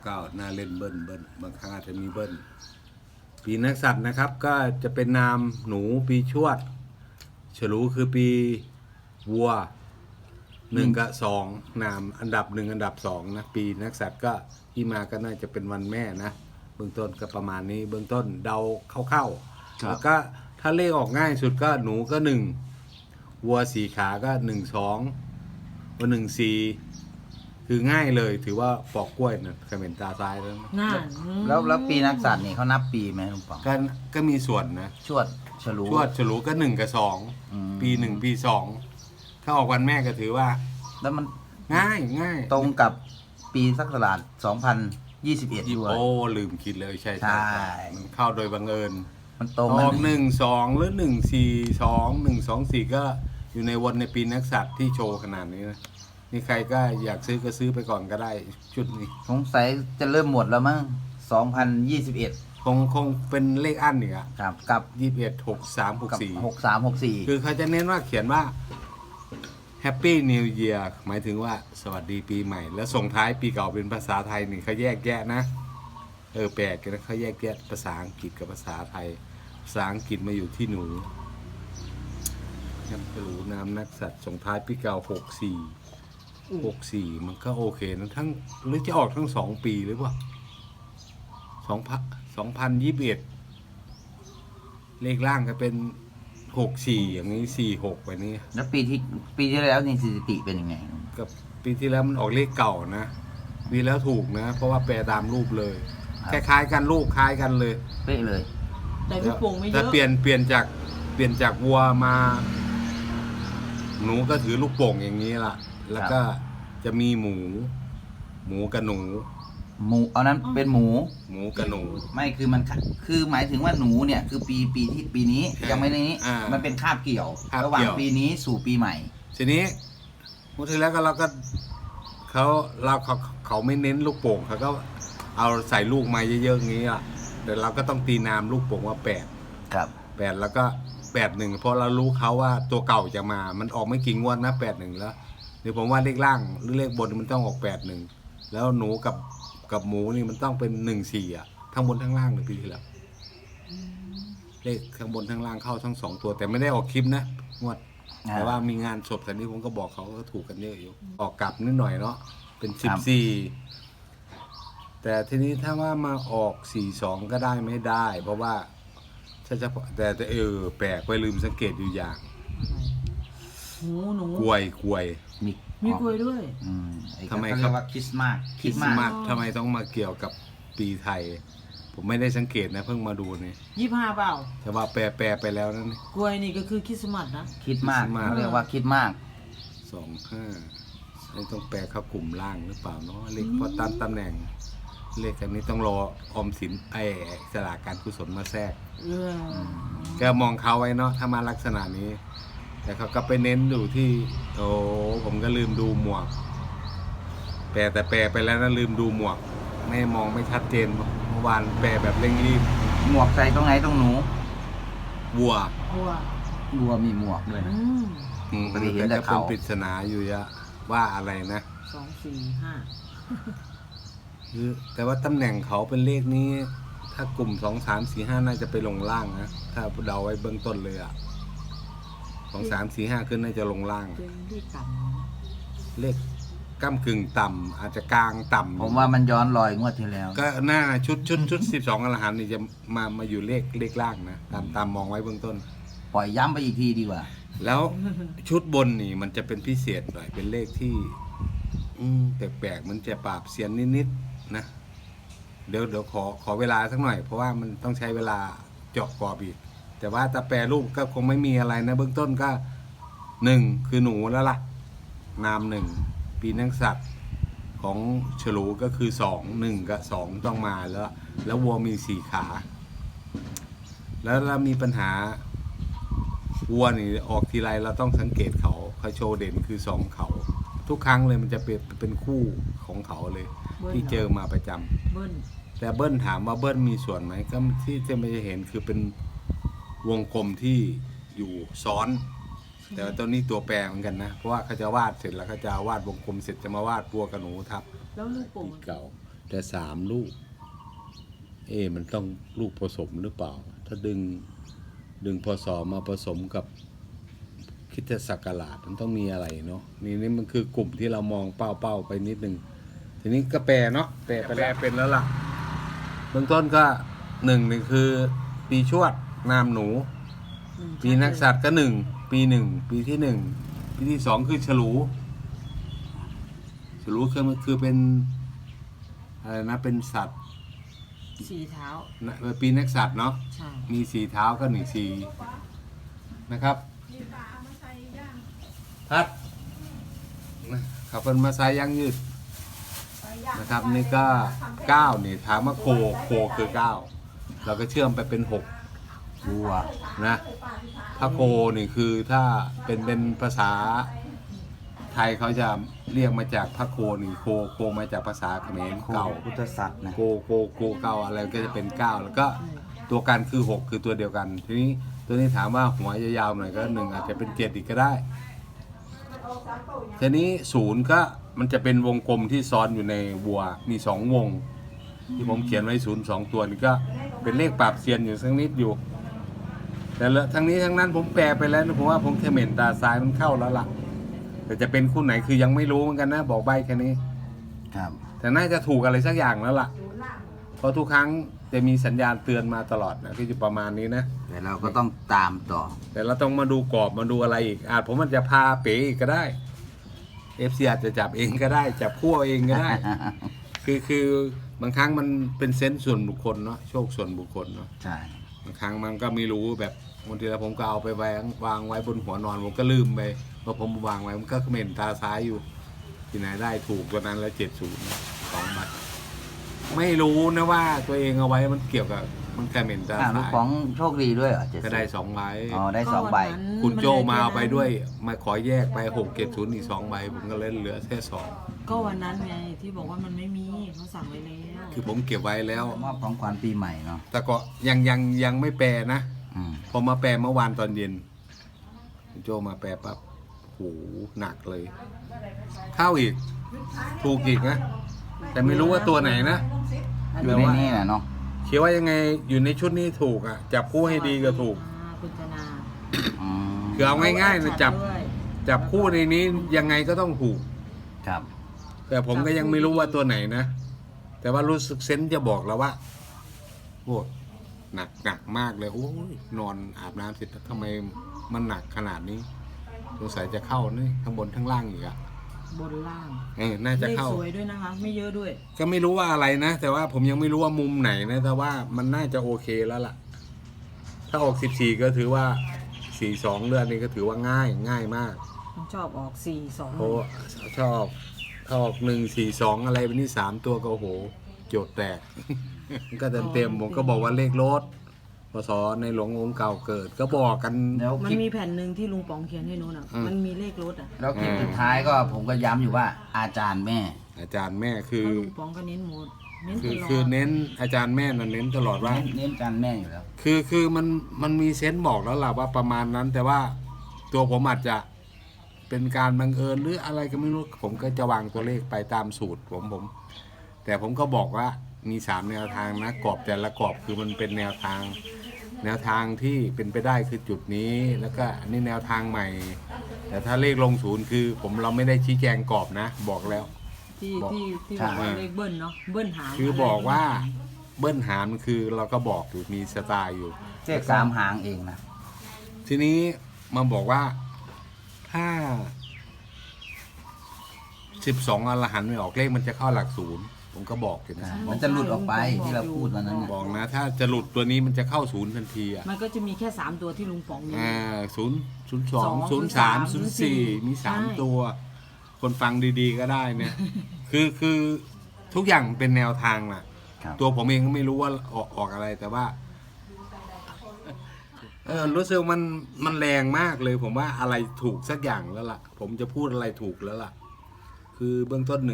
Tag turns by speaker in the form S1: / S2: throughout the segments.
S1: ก็น่าเล่นเบิ้ลบางครั้งอาจจะมีเบิ้ลปีนักสัตว์นะครับก็จะเป็นนามหนูปีชวดฉลูคือปีวัว1 กับ 2นามอันดับ1อันดับ2นะปีนักสัตว์ก็ที่มาก็น่าจะเป็นวันแม่นะเบื้องต้นก็ประมาณนี้เบื้องต้นเดาเข้าๆแล้วก็ถ้าเลขออกง่ายสุดก็หนูก็1วัว4 ขาก็1 2วัว1 4คือง่ายเลยถือว่าปอกกล้วยนะเขม็นตาซ้ายแล้วนะ
S2: น่า
S3: แล้วปีนักสัตว์นี่เขานับปีไหมลุงป๋อง
S1: ก็มีส่วนนะ
S3: ชวดฉลู
S1: ชวดฉลูก็1 กับ 2ปี1ปี2ถ้าออกวันแม่ก็ถือว่า
S3: แล้วมัน
S1: ง่าย
S3: ตรงกับปีศักราช2021ด้วย
S1: โอ้ลืมคิดเลยใช่
S3: ใช่
S1: มันเข้าโดยบังเอิญ
S3: มันตรง
S1: ออก1 2หรือ1 4 2 1 2 4ก็อยู่ในวันในปีนักสัตว์ที่โชว์ขนาดนี้นะนี่ใครก็อยากซื้อก็ซื้อไปก่อนก็ได้ชุดนี้
S3: สงสัยจะเริ่มหมดแล้วมั้ง2021
S1: คงเป็นเลขอั้นเนี่ย
S3: ครับกับ
S1: 21 63
S3: กับ
S1: 64
S3: 6364
S1: คือเขาจะเน้นว่าเขียนว่า Happy New Year หมายถึงว่าสวัสดีปีใหม่ แล้วส่งท้ายปีเก่าเป็นภาษาไทยนี่เขาแยกแยะนะแปลกกันนะเขาแยกแยะภาษาอังกฤษกับภาษาไทยภาษาอังกฤษมาอยู่ที่หนูยังไม่รู้นามนักสัตว์ส่งท้ายปีเก่า64มันก็โอเคนะทั้งหรือจะออกทั้ง2 ปีหรือเปล่า2021เลขล่างก็เป็น64อย่างนี้46ไปนี้
S3: แล้วปีที่แล้วนี่สถิติเป็นยังไง
S1: กับปีที่แล้วมันออกเลขเก่านะปีแล้วถูกนะ เพราะว่าแปลตามรูปเลยคล้ายๆกันลูกคล้ายกันเลย
S3: เป๊ะเลย
S2: แต่ลูกโป่งไม่เย
S1: แต่
S2: อะ
S1: เปลี่ยนจากวัวมา หนูก็ถือลูกโป่งอย่างนี้ล่ะ แล้วก็จะมีหมูกับหนู
S3: หมูเอานั้นเป็นหมู
S1: หมูกับหนู
S3: ไม่คือมันคือหมายถึงว่าหนูเนี่ยคือปีนี้ยังไม่ในนี้ มันเป็นคาบเกี่ยว ระหว่างปีนี้สู่ปีใหม่
S1: ทีนี้พูดถึงแล้วก็เราเขาไม่เน้นลูกโป่งเขาก็เอาใส่ลูกมาเยอะๆอย่างนี้อ่ะแต่เราก็ต้องตีนามลูกโป่งว่า8
S3: ครับ
S1: แล้วก็81เพราะเรารู้เขาว่าตัวเก่าจะมามันออกไม่กี่งวดนะ81แล้วเดี๋ยวผมว่าเลขล่างหรือเลขบนมันต้องออก81แล้วหนูกับหมูนี่มันต้องเป็น14อ่ะทั้งบนทั้งล่างเลยปีที่แล้วเลขทั้งบนทั้งล่างเข้าทั้ง2ตัวแต่ไม่ได้ออกคลิปนะงวดแต่ว่ามีงานศพแต่นี้ผมก็บอกเขาก็ถูกกันเยอะอยู่ออกกลับนิดหน่อยเนาะเป็น14แต่ทีนี้ถ้าว่ามาออก42ก็ได้ไม่ได้ เพราะว่าถ้าจะแต่แปลกไปลืมสังเกตอยู่อย่าง
S2: หนู
S1: กล้วย
S2: มีกล้วยด้วย
S3: ทำไมเขาเรียกว่าคริสต์มาส
S1: คริสต์มาสทำไมต้องมาเกี่ยวกับปีไทย ผมไม่ได้สังเกตนะเพิ่งมาดูนี่
S2: 25เปล่า
S1: แต่ว่าแปลไปแล้วนั่นนี่
S2: กล้วยนี่ก็คือคริสต์มาสนะ
S3: คริสต์มาส
S1: คริสต์มาส
S3: เขาเรียกว่าคริสต์มาส
S1: 25ไม่ต้องแปลเข้ากลุ่มล่างหรือเปล่าเนาะเลขเพราะตามตำแหน่งเลขอันนี้ต้องรอออมสินสลากการกุศลมาแทรก ก็มองเขาไว้เนาะถ้ามาลักษณะนี้ แต่เขาก็ไปเน้นอยู่ที่ผมก็ลืมดูหมวกแปลไปแล้วนะลืมดูหมวกไม่มองไม่ชัดเจนเมื่อวานแปลแบบเร่งรีบ
S3: หมวกใส่ตรงไหนตรงหนู
S1: วัว
S2: วัว
S3: วัวมีหมวกด้วยนะ ปกติเห็นแต่
S1: ก็เป็น
S3: เขา
S1: ปริศนาอยู่ยะว่าอะไรนะ
S2: 2 4 5
S1: แต่ว่าตำแหน่งเขาเป็นเลขนี้ ถ้ากลุ่ม2 3 4 5น่าจะไปลงล่างนะถ้าเดาไว้เบื้องต้นเลยอ่ะ2 3 4 5ขึ้นน่าจะลงล่าง
S2: เป็นเลขต่
S1: เลขก้ำกึ่งต่ำอาจจะกลางต่ำ
S3: ผมว่ามันย้อนรอยงวดที่แล้ว
S1: ก็หน้าชุด12อรหันต์นี่จะมาอยู่เลขล่างนะตามมองไว้เบื้องต้น
S3: ปล่อยย้ำไปอีกทีดีกว่า
S1: แล้วชุดบนนี่มันจะเป็นพิเศษหน่อยเป็นเลขที่แปลกๆมันจะปราบเสียนนิดๆนะเดี๋ยวขอเวลาสักหน่อยเพราะว่ามันต้องใช้เวลาเจาะกรอบอีกแต่ว่าถ้าแปลรูปก็คงไม่มีอะไรนะเบื้องต้นก็1คือหนูแล้วล่ะนาม1ปีนักสัตว์ของฉลูก็คือ1กับ2ต้องมาแล้ววัวมี4 ขา แล้วเรามีปัญหาวัวนี่ออกทีไรเราต้องสังเกตเขาโชว์เด่นคือ2เขาทุกครั้งเลยมันจะเป็นคู่ของเขาเลยที่เจอมาประจำ
S2: เบิ้ล
S1: แต่เบิ้ลถามว่าเบิ้ลมีส่วนไหมก็ที่จะไม่เห็นคือเป็นวงกลมที่อยู่ซ้อน แต่ว่าตัวนี้ตัวแปรเหมือนกันนะเพราะว่าเขาจะวาดเสร็จแล้วเขาจะวาดวงกลมเสร็จจะมาวาดวัวกับหนูทับ
S2: แล้วลูกโป่ง
S1: ปีเก่าแต่3 ลูกมันต้องลูกผสมหรือเปล่าถ้าดึงพศมาผสมกับคริสตศักราชมันต้องมีอะไรเนาะนี่มันคือกลุ่มที่เรามองเป้าไปนิดนึงทีนี้ก็แปลเนาะแปลเป็นแล้วล่ะเบื้องต้นก็1คือปีชวดนามหนูปีนักษัตริย์ก็1ปีปีที่1ปีที่2คือฉลูคือเป็นอะไรนะเป็นสัตว์
S2: 4 เท้า
S1: ปีนักษัตริย์เนาะ
S2: ใช่
S1: มี4 เท้าก็4นะครับพัดขับเป็นมาใส่ยางยืดนะครับนี่ก็9นี่ถามว่าโคคือ9เราก็เชื่อมไปเป็น6
S3: วัว
S1: นะถ้าโคนี่คือถ้าเป็นภาษาไทยเขาจะเรียกมาจากพระโคนี่โคมาจากภาษาเขมรเก่า
S3: พุทธศัตร์นะ
S1: โกเก่าอะไรก็จะเป็น9แล้วก็ตัวกันคือ6คือตัวเดียวกันทีนี้ตัวนี้ถามว่าหัวยาวๆหน่อยก็1อาจจะเป็น7อีกก็ได้ทีนี้0ก็มันจะเป็นวงกลมที่ซ้อนอยู่ในวัวมี2 วงที่ผมเขียนไว้02 ตัวนี่ก็เป็นเลขปราบเซียนอยู่สักนิดอยู่แต่ทั้งนี้ทั้งนั้นผมแปลไปแล้วนะผมว่าผมเขม่นตาซ้ายมันเข้าแล้วล่ะแต่จะเป็นคู่ไหนคือยังไม่รู้เหมือนกันนะบอกใบแค่นี้
S3: ครับ
S1: แต่น่าจะถูกอะไรสักอย่างแล้วล่ะเพราะทุกครั้งจะมีสัญญาณเตือนมาตลอดนะที่จะประมาณนี้นะ
S3: แต่เราก็ต้องตามต่อ
S1: แต่เราต้องมาดูกรอบมาดูอะไรอีกผมมันจะพาเป๋อีกก็ได้ FC อาจจะจับเองก็ได้จับคู่เองก็ได้ คือบางครั้งมันเป็นเซนส์ส่วนบุคคลเนาะโชคส่วนบุคคลเนาะ
S3: ใช่
S1: บางครั้งมันก็ไม่รู้แบบบางทีแล้วผมก็เอาไปวางไว้บนหัวนอนผมก็ลืมไปพอผมวางไว้มันก็เขม่นตาซ้ายอยู่ที่ไหนได้ถูกตัวนั้นแล้ว70 2 ใบไม่รู้นะว่าตัวเองเอาไว้มันเกี่ยวกับมันเขม่นตาซ้าย
S3: ลูกของโชคดีด้วยเหรอ
S1: ก็ได้2 ใบ
S3: ได้2 ใบ
S1: คุณโจมาเอาไปด้วยมาขอแยกไป670อีก2 ใบผมก็เล่นเหลือแค่2
S2: ก็วันนั้นไงที่บอกว่ามันไม่มีเขาสั่งไว้แล้ว
S1: คือผมเก็บไว้แล้ว
S3: มอบของขวัญปีใหม่เนาะ
S1: แต่ก็ยังไม่แปลนะพอมาแปลเมื่อวานตอนเย็นโจมาแปลปั๊บโหหนักเลยเข้าอีกถูกอีกนะแต่ไม่รู้ว่าตัวไหนนะ
S3: อยู่ในนี่แหละเนาะ
S1: เขียนว่ายังไงอยู่ในชุดนี้ถูกจับคู่ให้ดีก็ถูก
S2: คุณธนา
S1: คือเอาง่ายๆนะจับคู่ในนี้ยังไงก็ต้องถูก
S3: ครับ
S1: แต่ผมก็ยังไม่รู้ว่าตัวไหนนะแต่ว่ารู้สึกเซนส์จะบอกแล้วว่าโอ้หนักมากเลยโอ้ยนอนอาบน้ำเสร็จทำไมมันหนักขนาดนี้สงสัยจะเข้านี่ทั้งบนทั้งล่างอีก
S2: บนล่าง
S1: น่าจะเข้า
S2: สวยด้วยนะคะไม่เยอะด้วย
S1: ก็ไม่รู้ว่าอะไรนะแต่ว่าผมยังไม่รู้ว่ามุมไหนนะแต่ว่ามันน่าจะโอเคแล้วล่ะถ้าออก14ก็ถือว่า42เลือดนี่ก็ถือว่าง่ายมาก
S2: ชอบออก42
S1: โอ้ชอบถ้าออก142อะไรเป็นนี่3 ตัวก็โอ้โหโจทย์แตกก็เต็มผมก็บอกว่าเลขรถพศในหลวงองค์เก่าเกิดก็บอกกัน
S2: มันมีแผ่นหนึ่งที่ลุงป๋องเขียนให้โน้นมันมีเลขรถ
S3: แล้วคลิปสุดท้ายก็ผมก็ย้ำอยู่ว่าอาจารย์แม่
S1: คือ
S2: ลุงป๋องก็เน้นหมด
S1: คือเน้นอาจารย์แม่นั่นเน้นตลอดว่า
S3: เน้นอาจารย์แม่อยู่แล้ว
S1: คือมันมีเซนส์บอกแล้วล่ะว่าประมาณนั้นแต่ว่าตัวผมอาจจะเป็นการบังเอิญหรืออะไรก็ไม่รู้ผมก็จะวางตัวเลขไปตามสูตรผมแต่ผมก็บอกว่ามี3 แนวทางนะกรอบแต่ละกรอบคือมันเป็นแนวทางที่เป็นไปได้คือจุดนี้แล้วก็อันนี้แนวทางใหม่แต่ถ้าเลขลง0คือเราไม่ได้ชี้แจงกรอบนะบอกแล้ว
S2: ที่บอกว่าเลขเบิ้ลเนาะเบิ้ลหาง
S1: คือบอกว่าเบิ้ลหางคือเราก็บอกอยู่มีสไตล์อยู่
S3: เลข3 หางเองนะ
S1: ทีนี้มาบอกว่าถ้า12อรหันต์ไม่ออกเลขมันจะเข้าหลัก0ผมก็บอกอยู่นะ
S3: มันจะหลุดออกไปที่เราพูดวันนั้น
S1: บอกนะถ้าจะหลุดตัวนี้มันจะเข้า0ทันที
S2: มันก็จะมีแค่3 ตัวที่ลุงป๋องมี
S1: 0 02 03 04มี3 ตัวคนฟังดีๆก็ได้เนี่ยคือทุกอย่างเป็นแนวทางน่ะตัวผมเองก็ไม่รู้ว่าออกอะไรแต่ว่ารู้สึกมันแรงมากเลยผมว่าอะไรถูกสักอย่างแล้วล่ะผมจะพูดอะไรถูกแล้วล่ะคือเบื้องต้น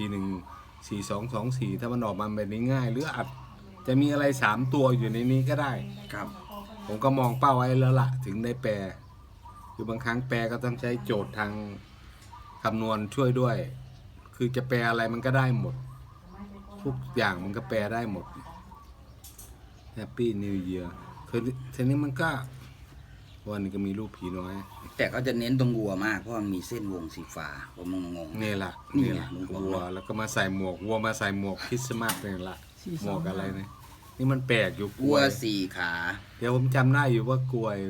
S1: 14414224ถ้ามันออกมาแบบนี้ง่ายหรืออาจจะมีอะไร3 ตัวอยู่ในนี้ก็ได้
S3: ครับ
S1: ผมก็มองเป้าไว้แล้วล่ะถึงได้แปลคือบางครั้งแปลก็ต้องใช้โจทย์ทางคำนวณช่วยด้วยคือจะแปลอะไรมันก็ได้หมดทุกอย่างมันก็แปลได้หมด Happy New Year คือทีนี้มันก็วันนี้ก็มีรูปผีน้อย
S3: แต่เขาจะเน้นตรงวัวมากเพราะมันมีเส้นวงสีฟ้าผมงง
S1: นี่แหละ
S3: นี่
S1: นี่
S3: ไง
S1: แหละ
S3: ลุงบอก
S1: วัวแล้วก็มาใส่หมวกวัวมาใส่หมวกคริสต์มาสนี่แหละหมวกอะไรเนี่ยนี่มันแปลกอยู่ก
S3: วั
S1: ล้ว วย
S3: 4 ขา
S1: เดี๋ยวผมจำได้อยู่ว่ากล้วย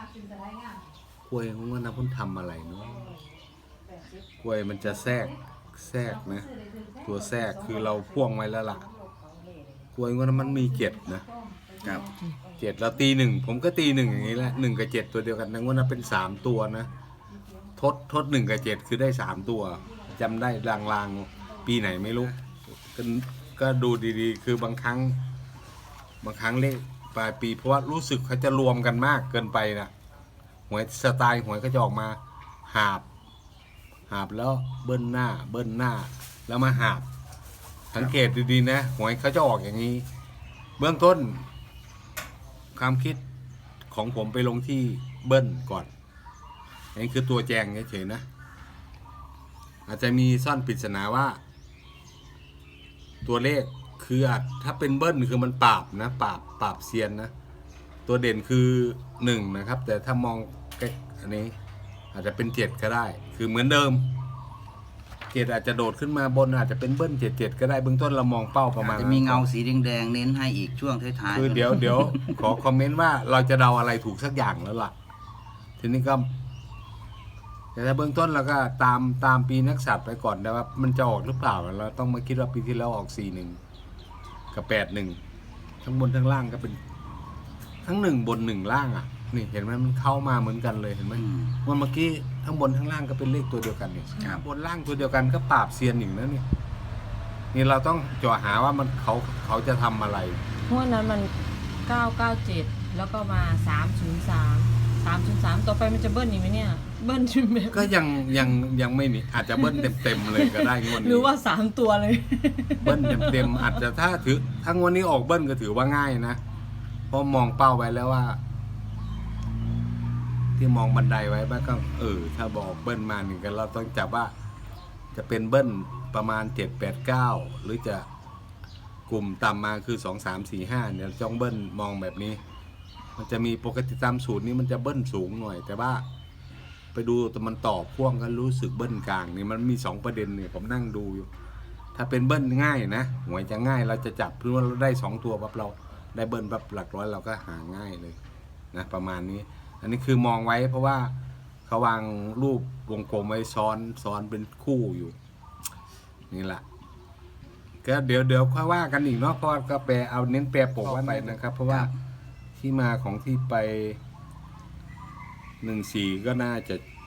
S1: ผมว่านะผมทำอะไรเนาะกล้วยมันจะแทรกนะตัวแทรกคือเราพ่วงไว้แล้วล่ะกล้วยว่ามันมี7 7เราตี1ผมก็ตี1อย่างนี้แหละ1 กับ 7ตัวเดียวกันนะว่านะเป็น3ตัวนะทด1 กับ 7คือได้3ตัวจำได้ลางๆปีไหนไม่รู้ก็ดูดีๆคือบางครั้งเลขปลายปีเพราะว่ารู้สึกเขาจะรวมกันมากเกินไปนะหวยสไตล์หวยก็จะออกมาหาบแล้วเบิ้ลหน้าแล้วมาหาบสังเกตดีๆนะหวยเขาจะออกอย่างนี้เบื้องต้นความคิดของผมไปลงที่เบิ้ลก่อนนี่คือตัวแจงเฉยๆนะอาจจะมีซ่อนปริศนาว่าตัวเลขคือถ้าเป็นเบิ้ลคือมันปราบนะปราบเซียนนะตัวเด่นคือ1นะครับแต่ถ้ามองอันนี้อาจจะเป็น7ก็ได้คือเหมือนเดิม7อาจจะโดดขึ้นมาบนอาจจะเป็นเบิ้ล7ก็ได้เบื้องต้นเรามองเป้าประมาณ
S3: จะมีเงาสีแดงๆเน้นให้อีกช่วงท้ายๆ
S1: คือเดี๋ยว ขอคอมเมนต์ว่าเราจะเดาอะไรถูกสักอย่างแล้วล่ะทีนี้ก็แต่ถ้าเบื้องต้นเราก็ตามปีนักสัตว์ไปก่อนนะว่ามันจะออกหรือเปล่าเราต้องมาคิดว่าปีที่แล้วออก41กับ81ทั้งบนทั้งล่างก็เป็นทั้ง1บน1ล่างอ่ะนี่เห็นไหมมันเข้ามาเหมือนกันเลยเห็นไหมวันเมื่อกี้ทั้งบนทั้งล่างก็เป็นเลขตัวเดียวกันนี่บนล่างตัวเดียวกันก็ปราบเซียนอีกนะนี่เราต้องจ่อหาว่ามันเขาจะทำอะไร
S2: เพราะนั้นมัน997แล้วก็มา303ต่อไปมันจะเบิ้ลอีกไหมเนี่ยเบิ้ลชิมแบบ
S1: ก็ยังไม่มีอาจจะเบิ้ลเต็มเลยก็ได้งวดนี้
S2: หรือว่า3ตัวเลย
S1: เบิ้ลเต็มอาจจะถ้างวดนี้ออกเบิ้ลก็ถือว่าง่ายนะเพราะมองเป้าไว้แล้วว่า ที่มองบันไดไว้บ้างก็ถ้าบอกเบิ้ลมาหนึ่งกันเราต้องจับว่าจะเป็นเบิ้ลประมาณ7 8 9หรือจะกลุ่มต่ำมาคือ2 3 4 5เนี่ยจ้องเบิ้ลมองแบบนี้มันจะมีปกติตามสูตรนี้มันจะเบิ้ลสูงหน่อยแต่ว่าไปดูแต่มันต่อพ่วงกันรู้สึกเบิ้ลกลางนี่มันมี2ประเด็นเนี่ยผมนั่งดูอยู่ถ้าเป็นเบิ้ลง่ายนะหวยจะง่ายเราจะจับเพื่อว่าเราได้2ตัวปั๊บเราได้เบิ้ลปั๊บหลักร้อยเราก็หาง่ายเลยนะประมาณนี้อันนี้คือมองไว้เพราะว่าเขาวางรูปวงกลมไว้ซ้อนเป็นคู่อยู่นี่แหละก็เดี๋ยวค่อยว่ากันอีกเนาะเพราะก็แปลเอาเน้นแปลปกไว้ไปนะครับเพราะว่าที่มาของที่ไป14ก็น่า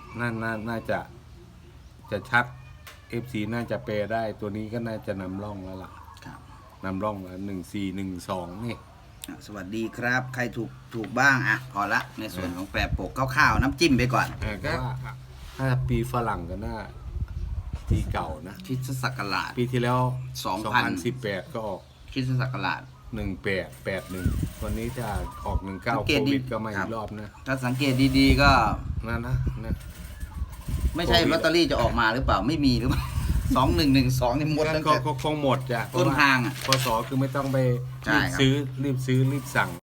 S1: จะชัด FC น่าจะแปลได้ตัวนี้ก็น่าจะนำร่องแล้วล่ะนำร่องแล้ว1412นี่
S3: สวัสดีครับใครถูกบ้างพอละในส่วนของแปรปกคร่าวๆน้ำจิ้มไปก่อน
S1: ก็ถ้าปีฝรั่งก็น่าปีเก่านะ
S3: คริสตศักราช
S1: ปีที่แล้ว2018ก็ออก
S3: คริสตศักราช
S1: 1881วันนี้จะออก19โควิดก็มาอีกรอบนะ
S3: ถ้าสังเกตดีๆก็
S1: นะ
S3: ไม่ใช่ลอตเตอรี่จะออกมาหรือเปล่าไม่มีหรือเปล่า2112นี่หมดแล้ว
S1: ก็คงหมดจ้ะ
S3: ต้นทาง
S1: พศคือไม่ต้องไปรีบซื้อรีบสั่ง